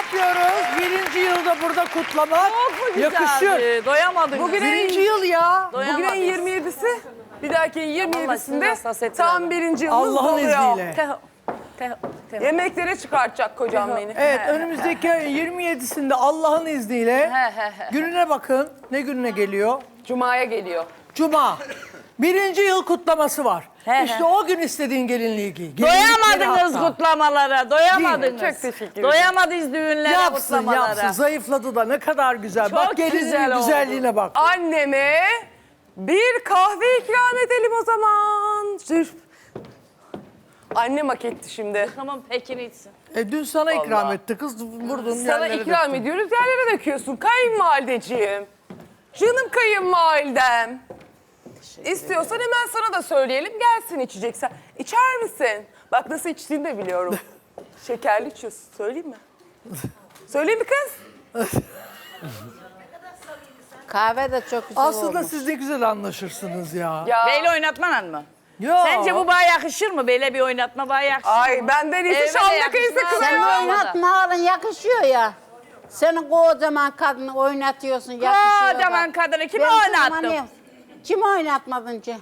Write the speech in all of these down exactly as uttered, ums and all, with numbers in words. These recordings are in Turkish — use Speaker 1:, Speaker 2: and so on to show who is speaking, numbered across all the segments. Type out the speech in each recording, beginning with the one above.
Speaker 1: kutluyoruz. Birinci yılda burada kutlamak
Speaker 2: Çok mu
Speaker 1: yakışıyor.
Speaker 2: güzeldi? Doyamadınız.
Speaker 1: Bugün birinci yıl ya.
Speaker 2: Doyamadınız.
Speaker 3: Bugün ayın yirmi yedisi. Bir dahaki ayın yirmi yedisinde
Speaker 2: hassasiyetli
Speaker 3: tam
Speaker 2: adam.
Speaker 3: birinci yılımız
Speaker 1: Allah'ın
Speaker 3: doluyor.
Speaker 1: izniyle.
Speaker 2: Teho. Teho. Teho.
Speaker 3: Yemeklere çıkartacak kocam beni.
Speaker 1: Evet, önümüzdeki ayın yirmi yedisinde Allah'ın izniyle
Speaker 2: He, he, he.
Speaker 1: gününe bakın. Ne gününe geliyor?
Speaker 3: Cuma'ya geliyor.
Speaker 1: Cuma. Birinci yıl kutlaması var.
Speaker 2: He,
Speaker 1: işte
Speaker 2: he.
Speaker 1: o gün istediğin gelinliği giy.
Speaker 2: Doyamadınız
Speaker 1: Gelinlikleri hatta.
Speaker 2: kutlamalara, doyamadınız.
Speaker 3: Çok teşekkür ederim.
Speaker 2: Doyamadınız düğünlere,
Speaker 1: Yapsın
Speaker 2: kutlamalara.
Speaker 1: yapsın. Zayıfladı da ne kadar güzel.
Speaker 2: Çok
Speaker 1: bak gelinin
Speaker 2: güzel oldu.
Speaker 1: güzelliğine bak.
Speaker 3: Anneme bir kahve ikram edelim o zaman. Zülf. Annem hak etti şimdi.
Speaker 2: Tamam, Pekin içsin.
Speaker 1: E, dün sana ikram
Speaker 3: Vallahi.
Speaker 1: etti kız. Vurdun
Speaker 3: Sana
Speaker 1: yerlere
Speaker 3: ikram
Speaker 1: döktün.
Speaker 3: ediyoruz, yerlere döküyorsun. Kayınvalideciğim. Canım kayınvalidem. İstiyorsan hemen sana da söyleyelim, gelsin içeceksen. İçer misin? Bak nasıl içtiğini de biliyorum. Şekerli içiyorsun, söyleyeyim mi? Söyleyeyim mi kız?
Speaker 4: Kahve de çok güzel
Speaker 1: Aslında
Speaker 4: olmuş.
Speaker 1: siz ne güzel anlaşırsınız ya.
Speaker 3: Ya.
Speaker 2: Beyle oynatmanan mı?
Speaker 1: Ya.
Speaker 2: Sence bu bana yakışır mı? Böyle bir oynatma bana yakışır
Speaker 3: Ay
Speaker 2: mı?
Speaker 3: benden iyisi
Speaker 2: Evet,
Speaker 3: Şam'da kayısı
Speaker 2: yakışmaz.
Speaker 3: kızı.
Speaker 4: Sen
Speaker 2: Olmadı.
Speaker 4: oynatma alın yakışıyor ya. Senin kocaman kadını oynatıyorsun yakışıyor.
Speaker 2: Kocaman
Speaker 4: bak.
Speaker 2: kadını kimi
Speaker 4: Ben
Speaker 2: oynattım?
Speaker 4: tanımayayım. Kim oynatmadın ki?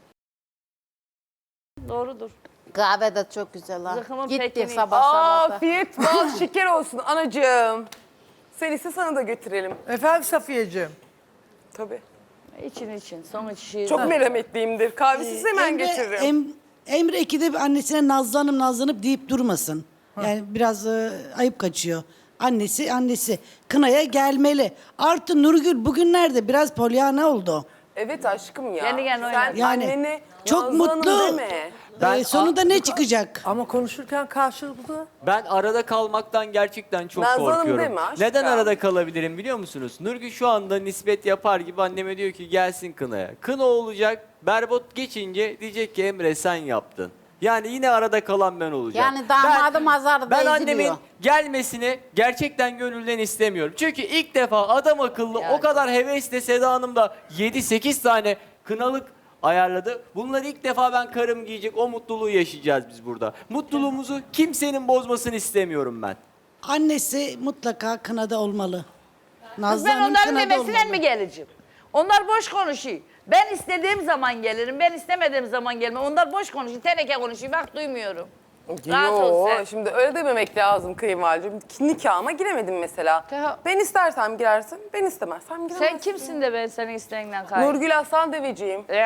Speaker 2: Doğrudur.
Speaker 4: Kahve de çok güzel ha.
Speaker 2: Zıkımın
Speaker 4: Gitti
Speaker 2: pekini.
Speaker 4: sabah sabah da.
Speaker 3: Afiyet bal şeker olsun anacığım. Sen ise sana da götürelim.
Speaker 1: Efendim Safiyeciğim.
Speaker 3: Tabii.
Speaker 2: İçin için, son içi.
Speaker 3: Çok merhametliyimdir. Kahvesiz hemen
Speaker 5: Emre,
Speaker 3: getiririm.
Speaker 5: Em, Emre ikide bir annesine nazlanıp nazlanıp deyip durmasın. Yani biraz e, ayıp kaçıyor. Annesi annesi kınaya gelmeli. Artı Nurgül bugünlerde biraz polyana oldu.
Speaker 3: Evet aşkım ya.
Speaker 2: Kendi kendine
Speaker 3: Sen
Speaker 2: oynat.
Speaker 5: Yani
Speaker 3: anneni
Speaker 5: çok
Speaker 3: Nazlı Hanım
Speaker 5: mutlu.
Speaker 3: deme.
Speaker 5: Ee, sonunda ne çıkacak?
Speaker 1: Ama konuşurken karşılıklı.
Speaker 6: Ben arada kalmaktan gerçekten çok
Speaker 3: Nazlı Hanım
Speaker 6: korkuyorum.
Speaker 3: deme aşkım.
Speaker 6: Neden arada kalabilirim biliyor musunuz? Nurgül şu anda nispet yapar gibi anneme diyor ki gelsin kınaya. Kına olacak, berbat geçince diyecek ki Emre sen yaptın. Yani yine arada kalan ben olacağım.
Speaker 4: Yani damadım
Speaker 6: ben,
Speaker 4: azarda
Speaker 6: Ben
Speaker 4: eziliyor.
Speaker 6: annemin gelmesini gerçekten gönülden istemiyorum. Çünkü ilk defa adam akıllı o kadar hevesle Seda Hanım da yedi sekiz tane kınalık ayarladı. Bunları ilk defa ben karım giyecek, o mutluluğu yaşayacağız biz burada. Mutluluğumuzu kimsenin bozmasını istemiyorum ben.
Speaker 5: Annesi mutlaka kınada olmalı.
Speaker 2: Kız
Speaker 5: Nazlı
Speaker 2: ben
Speaker 5: Hanım
Speaker 2: onların
Speaker 5: kınada
Speaker 2: demesiyle
Speaker 5: olmalı.
Speaker 2: mi geleceğim? Onlar boş konuşuyor. Ben istediğim zaman gelirim, ben istemediğim zaman gelmem. Onlar boş konuşuyor, teneke konuşuyor. Bak duymuyorum. Rahat ol
Speaker 3: Yo,
Speaker 2: sen.
Speaker 3: şimdi öyle dememek lazım kayınvalideciğim. Nikahıma giremedim mesela.
Speaker 2: Teha-
Speaker 3: Ben istersem girersin, ben istemezsem giremezsin.
Speaker 2: Sen kimsin de ben senin isteğinden kay?
Speaker 3: Nurgül Aslan Deveciğim.
Speaker 2: Eh,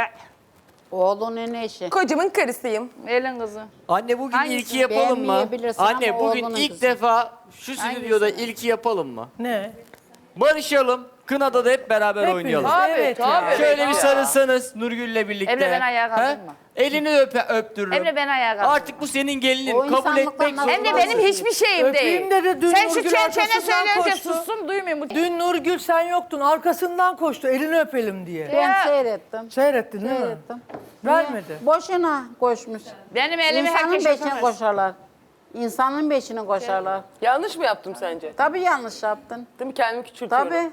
Speaker 4: Oğlunun eşi.
Speaker 3: Kocamın karısıyım.
Speaker 2: Elin kızı.
Speaker 6: Anne bugün
Speaker 2: Hangisi?
Speaker 6: ilki yapalım mı?
Speaker 4: Beğenmeyebilirsin
Speaker 6: Anne
Speaker 4: ama
Speaker 6: bugün
Speaker 4: oğlunun
Speaker 6: ilk
Speaker 4: kızı.
Speaker 6: defa şu stüdyoda ilki yapalım mı?
Speaker 1: Ne?
Speaker 6: Barışalım. Kınada da hep beraber
Speaker 1: Hepiniz.
Speaker 6: oynayalım.
Speaker 2: Tabii,
Speaker 1: Evet ya.
Speaker 2: tabii.
Speaker 6: Şöyle bir
Speaker 2: Ya.
Speaker 6: sarılsanız Nurgül'le birlikte.
Speaker 2: Emre, ben ayağa
Speaker 6: He?
Speaker 2: kaldırma.
Speaker 6: Elini öpe, öptürürüm.
Speaker 2: Emre, ben ayağa kaldırma.
Speaker 6: Artık bu senin gelinin.
Speaker 4: O
Speaker 6: Kabul
Speaker 4: insanlıktan
Speaker 6: etmek
Speaker 4: nasıl
Speaker 2: Hem de
Speaker 6: zorundasın.
Speaker 2: benim hiçbir şeyim
Speaker 1: Öpeyim
Speaker 2: değil.
Speaker 1: dedi, dün
Speaker 2: Sen şu
Speaker 1: Nurgül
Speaker 2: çene
Speaker 1: arkasından
Speaker 2: söyleyince
Speaker 1: koştu.
Speaker 2: sussun, duymuyorum.
Speaker 1: Dün Nurgül sen yoktun. Arkasından koştu. Elini öpelim diye.
Speaker 4: Ben
Speaker 2: Ya.
Speaker 4: seyrettim.
Speaker 1: Seyrettin değil mi?
Speaker 4: Seyrettim.
Speaker 1: Vermedi.
Speaker 4: Boşuna koşmuş.
Speaker 2: Benim elimi
Speaker 4: İnsanın
Speaker 2: herkes
Speaker 4: beşine
Speaker 2: öpemez.
Speaker 4: koşarlar. İnsanın beşine koşarlar.
Speaker 3: Yanlış mı yaptım sence?
Speaker 4: Tabii yanlış yaptın.
Speaker 3: Değil mi? Kendimi küçültüyorum.
Speaker 4: Tabii.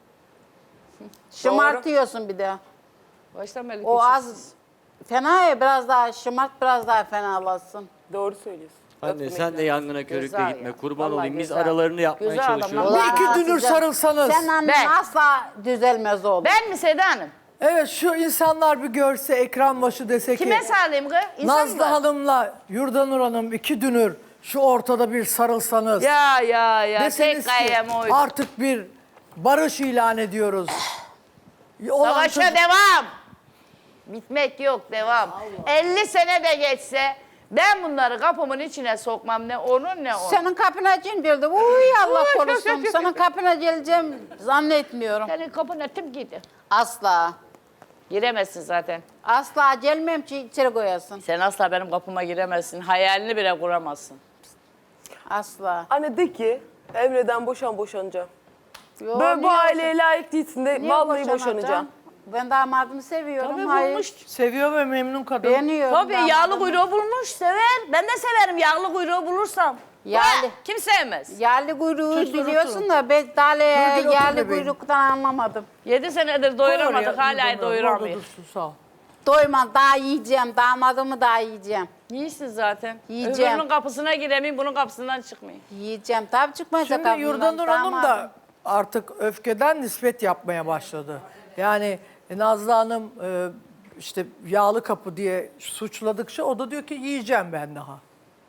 Speaker 4: Şımartıyorsun bir de.
Speaker 2: Baştan beri
Speaker 4: O
Speaker 2: küçük.
Speaker 4: az fena ya, biraz daha şımart, biraz daha fenalasın.
Speaker 3: Doğru söylüyorsun.
Speaker 6: Anne
Speaker 3: Öpmek
Speaker 6: sen de
Speaker 3: lazım.
Speaker 6: yangına körükle
Speaker 2: Güzel
Speaker 6: gitme.
Speaker 2: ya.
Speaker 6: Kurban
Speaker 2: Vallahi
Speaker 6: olayım. Biz
Speaker 2: güzel.
Speaker 6: aralarını yapmaya
Speaker 2: Güzel
Speaker 6: çalışıyoruz.
Speaker 2: adamlar.
Speaker 1: Bir iki
Speaker 4: Ulan
Speaker 1: dünür
Speaker 4: güzel.
Speaker 1: sarılsanız.
Speaker 4: Sen annen
Speaker 2: Ben.
Speaker 4: asla düzelmez oğlum.
Speaker 2: Ben mi Seda Hanım?
Speaker 1: Evet şu insanlar bir görse ekran başı dese ki
Speaker 2: Kime sağlayayım kız? İnsan
Speaker 1: Nazlı
Speaker 2: mı?
Speaker 1: Hanım'la Yurdanur Hanım iki dünür şu ortada bir sarılsanız.
Speaker 2: Ya ya ya.
Speaker 1: Deseniz
Speaker 2: Tek gayem
Speaker 1: ki
Speaker 2: oydu.
Speaker 1: artık bir barış ilan ediyoruz. Olan
Speaker 2: Savaşa
Speaker 1: çocuk-
Speaker 2: devam. Bitmek yok, devam. elli sene de geçse ben bunları kapımın içine sokmam, ne onun ne onun.
Speaker 4: Senin kapına geldi. Uy Allah korusun. Senin kapına geleceğim zannetmiyorum.
Speaker 2: Senin kapına kim girdi?
Speaker 4: Asla.
Speaker 2: Giremezsin zaten.
Speaker 4: Asla gelmem ki içeri koyasın.
Speaker 2: Sen asla benim kapıma giremezsin. Hayalini bile kuramazsın.
Speaker 4: Asla.
Speaker 3: Anne de ki Emre'den boşan boşanacağım.
Speaker 4: Yo,
Speaker 3: Böyle bu
Speaker 4: niye
Speaker 3: aileye layık değilsin de
Speaker 4: Niye
Speaker 3: vallahi
Speaker 4: boşanacağım?
Speaker 3: boşanacağım.
Speaker 4: Ben damadımı seviyorum.
Speaker 2: Tabii
Speaker 4: Hayır.
Speaker 2: bulmuş.
Speaker 1: Seviyor ve memnun kadın.
Speaker 4: Beğeniyorum.
Speaker 2: Tabii yağlı
Speaker 4: damadımı.
Speaker 2: kuyruğu bulmuş, sever. Ben de severim yağlı kuyruğu bulursam.
Speaker 4: Yağlı.
Speaker 2: Ha, kim sevmez?
Speaker 4: Yağlı kuyruğu
Speaker 1: Çocuklar
Speaker 4: biliyorsun da ben daha
Speaker 1: Nurgül, otur
Speaker 4: yağlı
Speaker 1: bebeğim.
Speaker 4: kuyruktan anlamadım.
Speaker 2: Yedi senedir
Speaker 1: Koy oraya,
Speaker 2: doyuramadık,
Speaker 1: Yurdanur
Speaker 2: hala
Speaker 1: Hanım, orada
Speaker 2: doyuramıyor.
Speaker 1: dursun, sağ ol.
Speaker 4: Doyma daha yiyeceğim. Damadımı daha yiyeceğim.
Speaker 2: İyisin zaten.
Speaker 4: Yiyeceğim.
Speaker 2: Öbürünün kapısına giremeyim, bunun kapısından çıkmayayım.
Speaker 4: Yiyeceğim. Tabii çıkmayacak
Speaker 1: Şimdi
Speaker 4: abimden,
Speaker 1: Yurdanur Hanım da
Speaker 4: damadım.
Speaker 1: artık öfkeden nispet yapmaya başladı. Yani e, Nazlı Hanım e, işte yağlı kapı diye suçladıkça o da diyor ki yiyeceğim ben daha.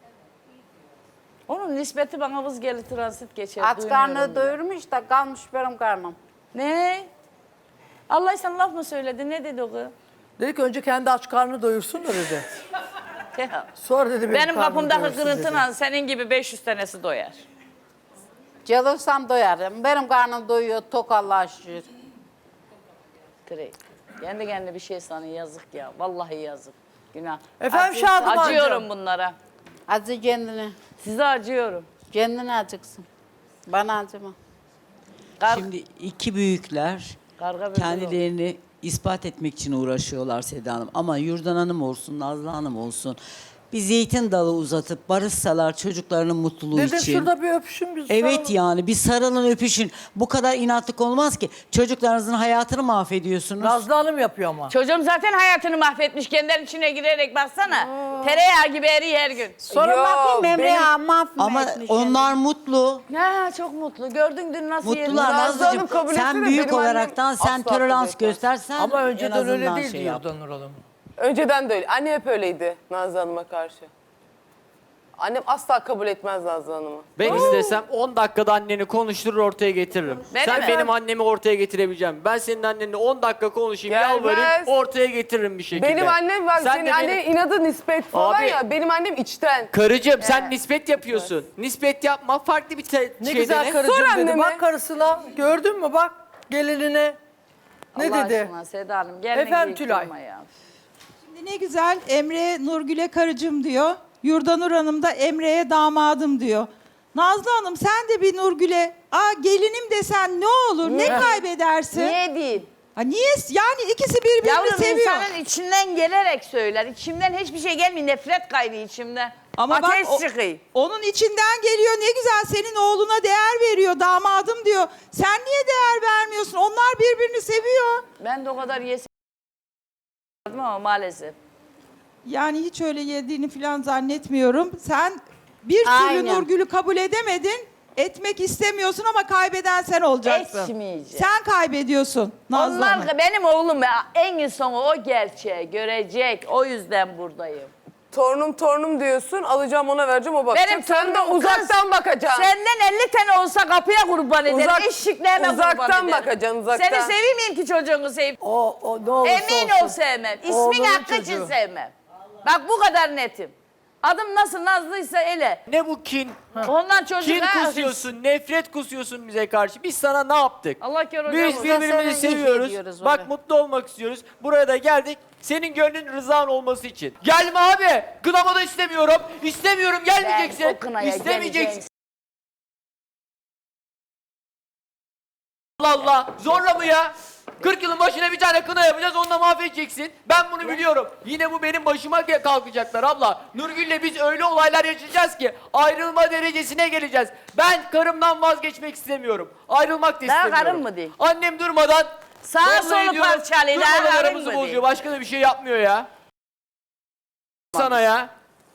Speaker 2: Onun nispeti bana vız gelir, transit geçer.
Speaker 4: Aç
Speaker 2: duymuyorum
Speaker 4: karnı
Speaker 2: bile.
Speaker 4: doyurmuş da kalmış benim karnım.
Speaker 2: Ne? Allah sana laf mı söyledi? Ne dedi o kız?
Speaker 1: Dedi ki önce kendi aç karnını doyursun da dedi.
Speaker 2: Ya,
Speaker 1: Sonra dedi benim,
Speaker 2: Benim
Speaker 1: karnımı
Speaker 2: kapımdaki
Speaker 1: doyursun dedi.
Speaker 2: kırıntıyla senin gibi beş yüz tanesi doyar.
Speaker 4: Calırsam doyarım. Benim karnım doyuyor tok Allah'a şükür.
Speaker 2: Direkt. Kendi kendine bir şey sana yazık ya. Vallahi yazık. Günah.
Speaker 1: Efendim
Speaker 2: Acı-
Speaker 1: Şadımancığım.
Speaker 2: Acıyorum bunlara.
Speaker 4: Acı kendini.
Speaker 2: Size acıyorum.
Speaker 4: Kendine acıksın. Bana acıma.
Speaker 2: Kar
Speaker 7: Şimdi iki büyükler
Speaker 2: Karga böcek
Speaker 7: kendilerini ispat etmek için uğraşıyorlar Seda Hanım. Ama Yurdan Hanım olsun, Nazlı Hanım olsun bir zeytin dalı uzatıp barışsalar çocuklarının mutluluğu
Speaker 1: Dedim
Speaker 7: için.
Speaker 1: şurada bir öpüşün bir
Speaker 7: Evet
Speaker 1: sarılın.
Speaker 7: yani bir sarılın öpüşün. Bu kadar inatlık olmaz ki. Çocuklarınızın hayatını mahvediyorsunuz.
Speaker 1: Nazlı Hanım yapıyor ama.
Speaker 2: Çocuğum zaten hayatını mahvetmiş. Kendilerinin içine girerek baksana. Tereyağı gibi eriyor her gün.
Speaker 4: Sonra
Speaker 3: Yo,
Speaker 4: bakayım Emre
Speaker 3: benim-
Speaker 4: ya mahvetmiş.
Speaker 7: Ama onlar mutlu.
Speaker 2: Ya çok mutlu. Gördün dün nasıl
Speaker 7: Mutlular
Speaker 2: yerine-
Speaker 3: Nazlı Hanım
Speaker 7: Nazlıcığım.
Speaker 3: kabul etsene,
Speaker 7: Sen büyük
Speaker 3: benim annem
Speaker 7: olaraktan sen
Speaker 3: asla kabul
Speaker 7: tolerans
Speaker 3: etmez.
Speaker 7: göstersen
Speaker 1: Ama
Speaker 7: en
Speaker 1: önceden öyle
Speaker 7: azından
Speaker 1: değildi
Speaker 7: şey yap.
Speaker 1: Yurdanur Hanım.
Speaker 3: Önceden de öyle. Anne hep öyleydi Nazlı Hanım'a karşı. Annem asla kabul etmez Nazlı Hanım'ı.
Speaker 6: Ben istesem on dakikada anneni konuşturur ortaya getiririm.
Speaker 2: Benim
Speaker 6: Sen
Speaker 2: mi?
Speaker 6: benim annemi ortaya getirebileceğim. Ben senin annenle on dakika konuşayım,
Speaker 3: Gelmez.
Speaker 6: yalvarayım, ortaya getiririm bir şekilde.
Speaker 3: Benim annem var.
Speaker 6: Sen
Speaker 3: Senin
Speaker 6: de
Speaker 3: annenin
Speaker 6: benim-
Speaker 3: inadı nispet falan
Speaker 6: Abi-
Speaker 3: ya. Benim annem içten.
Speaker 6: Karıcığım sen nispet yapıyorsun. Nispet yapma, farklı bir te-
Speaker 1: Ne
Speaker 6: şey
Speaker 1: güzel
Speaker 6: dene.
Speaker 1: karıcığım
Speaker 3: Sor
Speaker 1: dedi.
Speaker 3: anneme.
Speaker 1: Bak karısına gördün mü bak gelinine. Ne
Speaker 2: Allah
Speaker 1: dedi?
Speaker 2: aşkına Seda Hanım gelme
Speaker 1: Efendim
Speaker 2: geyik
Speaker 1: Tülay.
Speaker 2: durma ya.
Speaker 8: Ne güzel Emre Nurgül'e karıcığım diyor. Yurdanur Hanım da Emre'ye damadım diyor. Nazlı Hanım sen de bir Nurgül'e aa gelinim desen ne olur ne kaybedersin?
Speaker 2: Niye değil?
Speaker 8: Ha, niye? Yani ikisi birbirini
Speaker 2: Yavrum
Speaker 8: seviyor.
Speaker 2: insanın içinden gelerek söyler. İçimden hiçbir şey gelmiyor. Nefret kaynıyor içimden.
Speaker 8: Ama
Speaker 2: Ateş
Speaker 8: bak o-
Speaker 2: çıkıyor.
Speaker 8: onun içinden geliyor ne güzel senin oğluna değer veriyor damadım diyor. Sen niye değer vermiyorsun? Onlar birbirini seviyor.
Speaker 2: Ben de o kadar yesin ama maalesef.
Speaker 8: Yani hiç öyle yediğini falan zannetmiyorum. Sen bir türlü
Speaker 4: Aynen.
Speaker 8: Nurgül'ü kabul edemedin. Etmek istemiyorsun ama kaybeden sen olacaksın.
Speaker 2: Etmeyeceğim.
Speaker 8: Sen kaybediyorsun Nazlı Hanım.
Speaker 2: Onlar benim oğlum ya, en sonu o gerçeği görecek. O yüzden buradayım.
Speaker 3: Torunum torunum diyorsun. Alacağım ona vereceğim o bakacak.
Speaker 2: Benim
Speaker 3: Sen de
Speaker 2: torunum
Speaker 3: uzaktan
Speaker 2: kız.
Speaker 3: bakacaksın.
Speaker 2: Senden elli tane olsa kapıya kurban ederim.
Speaker 3: Uzak-
Speaker 2: Eşikliğime kurban
Speaker 3: uzaktan
Speaker 2: ederim.
Speaker 3: bakacaksın, uzaktan.
Speaker 2: Seni sevmeyeyim ki çocuğunu seveyim.
Speaker 1: O, o ne olursa
Speaker 2: Emin
Speaker 1: olsun.
Speaker 2: ol sevmem. İsmin
Speaker 1: Oğlunun
Speaker 2: hakkı için
Speaker 1: çocuğu.
Speaker 2: sevmem. Bak bu kadar netim. Adım nasıl Nazlıysa ele.
Speaker 6: Ne bu kin?
Speaker 2: Ondan çocuk
Speaker 6: Kin
Speaker 2: ha,
Speaker 6: kusuyorsun, nefret kusuyorsun bize karşı. Biz sana ne yaptık?
Speaker 2: Allah kör hocam
Speaker 6: Biz
Speaker 2: olsun.
Speaker 6: birbirimizi
Speaker 4: Sana iyi
Speaker 6: seviyoruz.
Speaker 4: ediyoruz
Speaker 6: Bak
Speaker 4: öyle.
Speaker 6: mutlu olmak istiyoruz. Buraya da geldik. Senin gönlün rızan olması için. Gelme abi. Kınama da istemiyorum. İstemiyorum. Gelmeyeceksin.
Speaker 2: Ben o kınaya
Speaker 6: İstemeyeceksin.
Speaker 2: geleceğim.
Speaker 6: Allah Allah. Zorla mı ya? kırk yılın başına bir tane kına yapacağız, onunla mahvedeceksin. Ben bunu biliyorum. Yine bu benim başıma ge- kalkacaklar abla. Nurgül'le biz öyle olaylar yaşayacağız ki ayrılma derecesine geleceğiz. Ben karımdan vazgeçmek istemiyorum. Ayrılmak da
Speaker 2: Daha
Speaker 6: istemiyorum.
Speaker 2: karın mı değil?
Speaker 6: Annem durmadan
Speaker 2: Sağa
Speaker 6: zorla
Speaker 2: solu
Speaker 6: ediyor,
Speaker 2: parçalıyor, daha
Speaker 6: durmadan
Speaker 2: karın
Speaker 6: aramızı
Speaker 2: mı
Speaker 6: bozuyor.
Speaker 2: değil?
Speaker 6: Başka da bir şey yapmıyor ya. Sana ya.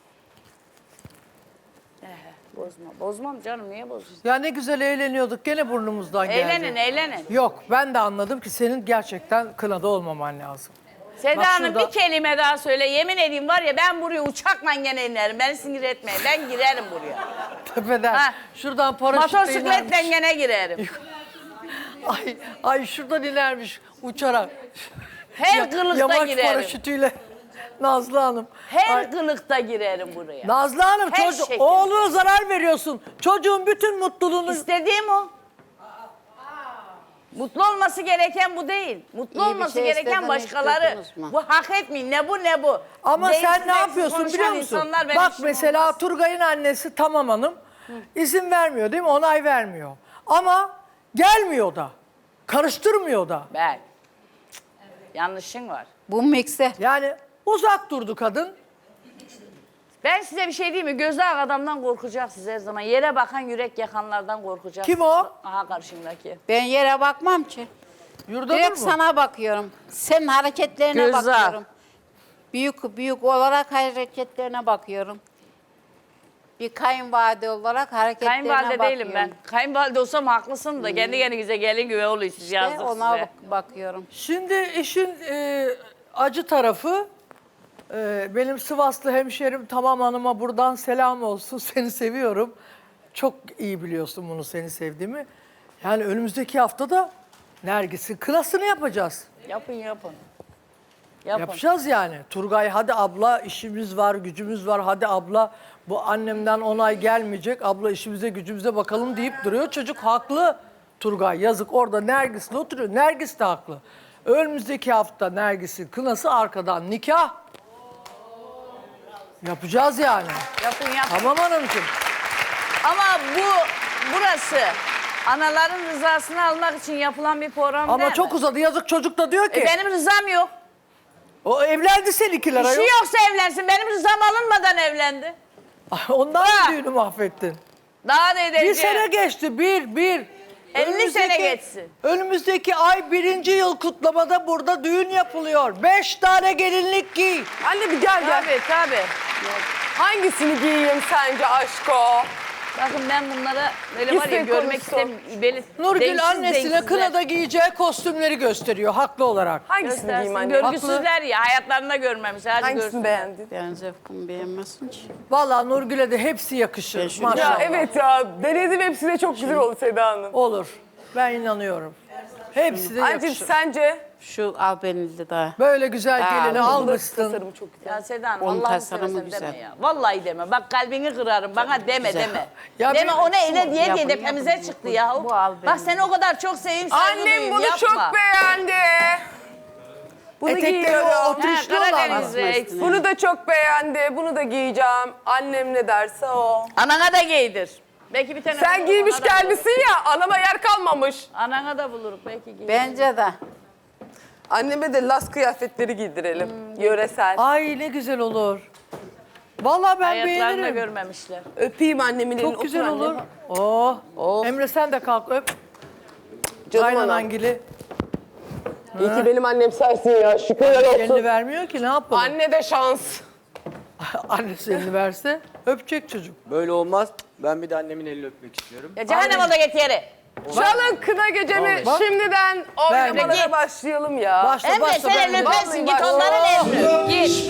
Speaker 2: Bozma. Bozmam canım niye bozuyorsun?
Speaker 1: Ya ne güzel eğleniyorduk gene burnumuzdan geldi.
Speaker 2: Eğlenin eğlenin.
Speaker 1: Yok ben de anladım ki senin gerçekten kınada olmaman lazım.
Speaker 2: Seda
Speaker 1: Bak
Speaker 2: Hanım
Speaker 1: şurada-
Speaker 2: bir kelime daha söyle. Yemin edeyim var ya ben buraya uçakla gene inerim. Beni sinir etmeyin. Ben girerim buraya.
Speaker 1: Tepeden
Speaker 2: Ha.
Speaker 1: şuradan paraşütle
Speaker 2: Motosikletle
Speaker 1: inermiş.
Speaker 2: gene girerim.
Speaker 1: Ay, ay şuradan inermiş uçarak.
Speaker 2: Her
Speaker 1: Ya-
Speaker 2: kılıkta
Speaker 1: Yamaç
Speaker 2: girerim.
Speaker 1: paraşütüyle. Nazlı Hanım.
Speaker 2: Her
Speaker 1: Ay,
Speaker 2: kılıkta girerim buraya.
Speaker 1: Nazlı Hanım
Speaker 2: Her
Speaker 1: çocuk,
Speaker 2: şekilde.
Speaker 1: oğluna zarar veriyorsun. Çocuğun bütün mutluluğunu...
Speaker 2: İstediğim o. Mutlu olması gereken bu değil. Mutlu
Speaker 4: İyi bir
Speaker 2: olması
Speaker 4: şey
Speaker 2: gereken
Speaker 4: istedin,
Speaker 2: başkaları.
Speaker 4: hiç duydunuz mu?
Speaker 2: Bu hak etmeyin. Ne bu ne bu.
Speaker 1: Ama
Speaker 2: Değilsiz
Speaker 1: sen ne
Speaker 2: değilsiz
Speaker 1: yapıyorsun
Speaker 2: konuşan
Speaker 1: biliyor musun?
Speaker 2: insanlar benim
Speaker 1: Bak
Speaker 2: işim
Speaker 1: mesela
Speaker 2: olmaz.
Speaker 1: Turgay'ın annesi Tamam Hanım izin vermiyor değil mi? Onay vermiyor. Ama gelmiyor da. Karıştırmıyor da.
Speaker 2: Ben. Yanlışın var.
Speaker 4: Bu mikser.
Speaker 1: Yani uzak durdu kadın.
Speaker 2: Ben size bir şey diyeyim mi? Gözü ak adamdan korkacaksınız her zaman. Yere bakan yürek yakanlardan korkacaksınız.
Speaker 1: Kim o?
Speaker 2: Aha karşımdaki.
Speaker 4: Ben yere bakmam ki.
Speaker 1: Yurdanur
Speaker 4: Direkt
Speaker 1: mu?
Speaker 4: sana bakıyorum. Senin hareketlerine
Speaker 2: Göz ağı.
Speaker 4: bakıyorum. büyük büyük olarak hareketlerine bakıyorum. Bir kayınvalide olarak hareketlerine
Speaker 2: Kayınvalide
Speaker 4: bakıyorum.
Speaker 2: değilim ben. Kayınvalide olsam haklısın da kendi kendinize gelin gibi oluyor siz
Speaker 4: İşte
Speaker 2: yazdık
Speaker 4: ona
Speaker 2: size.
Speaker 4: bak- bakıyorum.
Speaker 1: Şimdi işin e, acı tarafı, e, benim Sivaslı hemşerim Tamam Hanım'a buradan selam olsun. Seni seviyorum. Çok iyi biliyorsun bunu, seni sevdiğimi. Yani önümüzdeki haftada Nergis'in kınasını yapacağız.
Speaker 2: Yapın yapın. Yapın.
Speaker 1: Yapacağız yani. Turgay hadi abla işimiz var, gücümüz var. Hadi abla bu annemden onay gelmeyecek. Abla işimize gücümüze bakalım deyip duruyor. Çocuk haklı. Turgay yazık orada Nergis'le oturuyor. Nergis de haklı. Önümüzdeki hafta Nergis'in kınası, arkadan nikah. Yapacağız yani.
Speaker 2: Yapın yapın.
Speaker 1: Tamam hanımcığım.
Speaker 2: Ama bu burası anaların rızasını almak için yapılan bir program değil
Speaker 1: Ama
Speaker 2: mi?
Speaker 1: çok uzadı. Yazık çocuk da diyor ki.
Speaker 2: E, benim rızam yok.
Speaker 1: O evlendi seninkiler
Speaker 2: İşi
Speaker 1: ayol.
Speaker 2: yoksa evlensin. Benim rızam alınmadan evlendi.
Speaker 1: Ondan
Speaker 2: Ha.
Speaker 1: mı düğünü mahvettin?
Speaker 2: Daha ne edeceğim?
Speaker 1: Bir sene geçti, bir, bir.
Speaker 2: elli sene geçsin.
Speaker 1: Önümüzdeki ay birinci yıl kutlamada burada düğün yapılıyor. Beş tane gelinlik giy.
Speaker 3: Anne bir gel gel.
Speaker 2: Tabii tabii.
Speaker 3: Hangisini giyeyim sence aşko?
Speaker 2: Bakın ben bunlara böyle var ya
Speaker 3: İstek
Speaker 2: görmek
Speaker 3: konusu.
Speaker 2: istemiyorum. Beni
Speaker 1: Nurgül
Speaker 2: denksiz
Speaker 1: annesine
Speaker 2: denksizler.
Speaker 1: kınada giyeceği kostümleri gösteriyor haklı olarak.
Speaker 3: Hangisini giyeyim
Speaker 2: Göstersin.
Speaker 3: anne?
Speaker 2: Görgüsüzler ya hayatlarında görmemişler. Hadi
Speaker 3: Hangisini
Speaker 2: görsün.
Speaker 3: beğendin?
Speaker 4: Ben zevkimi beğenmesin ki.
Speaker 1: Vallahi Nurgül'e de hepsi yakışır
Speaker 4: şunu-
Speaker 3: Ya
Speaker 1: maşallah.
Speaker 3: evet ya denedim hepsi de çok güzel oldu Seda Hanım.
Speaker 1: Olur. Ben inanıyorum. Hepsi de
Speaker 3: Anneciğim
Speaker 1: yakışır.
Speaker 3: sence?
Speaker 4: Şu albenili daha.
Speaker 1: Böyle güzel
Speaker 4: Aa,
Speaker 1: gelini
Speaker 4: bu da
Speaker 1: almışsın.
Speaker 3: Tasarımı çok güzel.
Speaker 2: Ya Seda Hanım
Speaker 4: Onun
Speaker 2: Allah'ını
Speaker 4: tasarımı
Speaker 2: seversen
Speaker 4: güzel.
Speaker 2: deme ya. Vallahi deme. Bak kalbini kırarım. Bana deme
Speaker 4: Güzel.
Speaker 2: deme.
Speaker 1: Ya
Speaker 2: deme
Speaker 1: bir-
Speaker 2: ona ele diye
Speaker 4: Yapın,
Speaker 2: diye
Speaker 4: yapın.
Speaker 2: tepemize çıktı ya.
Speaker 4: Bu al
Speaker 2: Bak
Speaker 4: benim.
Speaker 2: seni o kadar çok seveyim saygı
Speaker 3: Annem
Speaker 2: duyayım,
Speaker 3: bunu
Speaker 2: yapma.
Speaker 3: çok beğendi. Bunu
Speaker 1: Etekleri
Speaker 3: giyiyorum.
Speaker 1: o
Speaker 2: Ha,
Speaker 1: oturuşlu olan mı?
Speaker 2: Karadeniz reis.
Speaker 3: Bunu da çok beğendi. Bunu da giyeceğim. Annem ne derse o.
Speaker 2: Anana da giydir. Belki bir tane
Speaker 3: Sen
Speaker 2: buluruz,
Speaker 3: giymiş
Speaker 2: ona da buluruz.
Speaker 3: gelmişsin ya anama yer kalmamış.
Speaker 2: Anana da buluruz belki giydir.
Speaker 4: Bence de.
Speaker 3: Anneme de las kıyafetleri giydirelim. Yöresel.
Speaker 1: Ay ne güzel olur. Vallahi ben
Speaker 2: Hayatlarında
Speaker 1: beğenirim.
Speaker 2: görmemişler.
Speaker 3: Öpeyim annemin elini.
Speaker 1: Çok güzel
Speaker 3: otur
Speaker 1: olur.
Speaker 3: anne.
Speaker 1: Oh.
Speaker 3: Of.
Speaker 1: Emre sen de kalk öp.
Speaker 3: Canım
Speaker 1: Aynen
Speaker 3: anam.
Speaker 1: Angili.
Speaker 3: İyi ki benim annem sensin ya. Şükürler
Speaker 1: Elini
Speaker 3: olsun.
Speaker 1: vermiyor ki ne yapalım?
Speaker 3: Anne de şans.
Speaker 1: Annesi elini verse öpecek çocuk.
Speaker 6: Böyle olmaz. Ben bir de annemin elini öpmek istiyorum.
Speaker 2: Ya cehennem oldu git yeri.
Speaker 3: Çalın kına gecemi
Speaker 1: Bak.
Speaker 3: şimdiden oynamalara
Speaker 2: Git.
Speaker 3: başlayalım ya.
Speaker 1: Başla
Speaker 2: Emre
Speaker 1: başla.
Speaker 2: sen
Speaker 1: ben-
Speaker 2: elini öpersin git
Speaker 3: Vallahi
Speaker 2: onların elini. Git.